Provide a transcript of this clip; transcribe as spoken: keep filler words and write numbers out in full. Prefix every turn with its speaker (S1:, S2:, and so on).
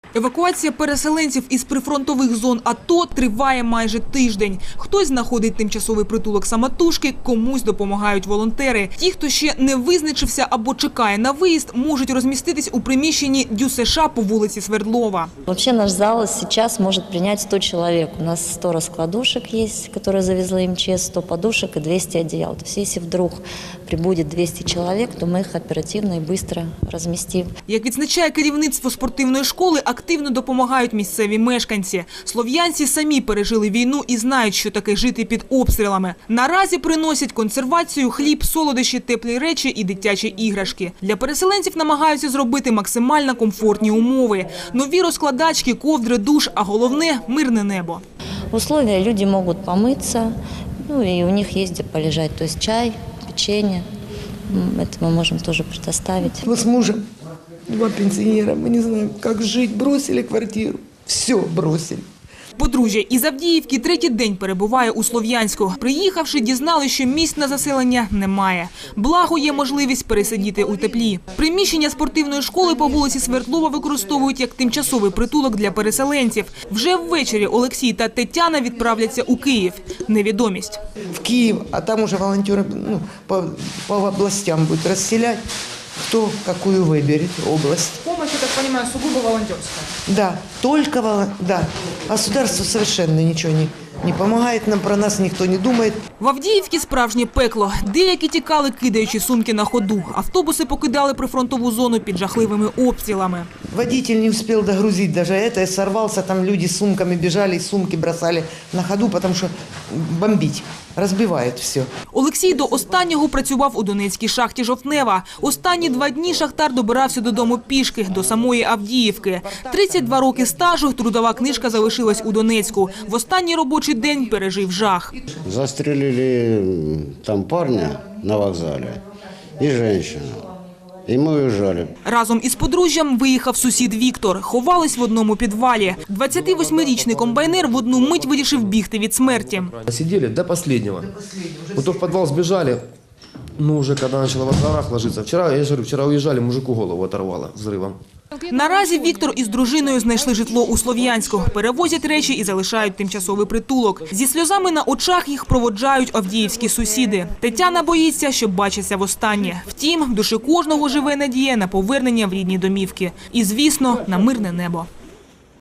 S1: Евакуація переселенців із прифронтових зон АТО триває майже тиждень. Хтось знаходить тимчасовий притулок самотужки, комусь допомагають волонтери. Ті, хто ще не визначився або чекає на виїзд, можуть розміститись у приміщенні ДЮСШ по вулиці Свердлова.
S2: Вообще наш зал сейчас может принять сто человек. У нас сто раскладушек есть, которые завезла МЧС, сто подушек и двести одеял. То есть если вдруг прибудет двести человек, то мы их оперативно и быстро разместим.
S1: Як відзначає керівництво спортивної школи, активно допомагають місцеві мешканці. Слов'янці самі пережили війну і знають, що таке жити під обстрілами. Наразі приносять консервацію, хліб, солодощі, теплі речі і дитячі іграшки. Для переселенців намагаються зробити максимально комфортні умови. Нові розкладачки, ковдри, душ, а головне – мирне небо.
S2: Условия: люди могут помыться, ну и у них есть где полежать. То есть чай, печенье, это мы можем тоже предоставить.
S3: Мы с мужем, два пенсионера, мы не знаем, как жить, бросили квартиру, все бросили.
S1: Подружжя із Авдіївки третій день перебуває у Слов'янську. Приїхавши, дізнали, що місць на заселення немає. Благо є можливість пересидіти у теплі. Приміщення спортивної школи по вулиці Свердлова використовують як тимчасовий притулок для переселенців. Вже ввечері Олексій та Тетяна відправляться у Київ. Невідомість.
S3: В Киев, а там уже волонтеры ну, по, по областям будут расселять, кто какую выберет область.
S1: Помощь, я так понимаю, сугубо волонтерская.
S3: Да, только волон... да. Государство совершенно ничего не, не помогает нам, про нас никто не думает.
S1: В Авдіївці справжнє пекло. Деякі тікали, кидаючи сумки на ходу. Автобуси покидали прифронтову зону під жахливими обстрілами.
S3: Водитель не успел догрузить даже это, сорвался, там люди с сумками бежали, и сумки бросали на ходу, потому что бомбить, разбивает все.
S1: Олексій до останнього працював у Донецькій шахті «Жовтнева». Останні два дні шахтар добирався додому пішки, до самої Авдіївки. тридцять два роки стажу, трудова книжка залишилась у Донецьку. В останній робочий день пережив жах.
S4: Застрелили там парня на вокзале и женщину. І ми уїжджали.
S1: Разом із подружжям виїхав сусід Віктор. Ховались в одному підвалі. двадцятивосьмирічний комбайнер в одну мить вирішив бігти від смерті.
S5: Сидели до последнего. Вот в подвал сбежали, ну уже когда начало в горах ложиться. Вчера, я же говорю, вчера уезжали, мужику голову оторвало взрывом.
S1: Наразі Віктор із дружиною знайшли житло у Слов'янську. Перевозять речі і залишають тимчасовий притулок. Зі сльозами на очах їх проводжають авдіївські сусіди. Тетяна боїться, що бачиться востаннє. Втім, в душі кожного живе надія на повернення в рідні домівки. І, звісно, на мирне небо.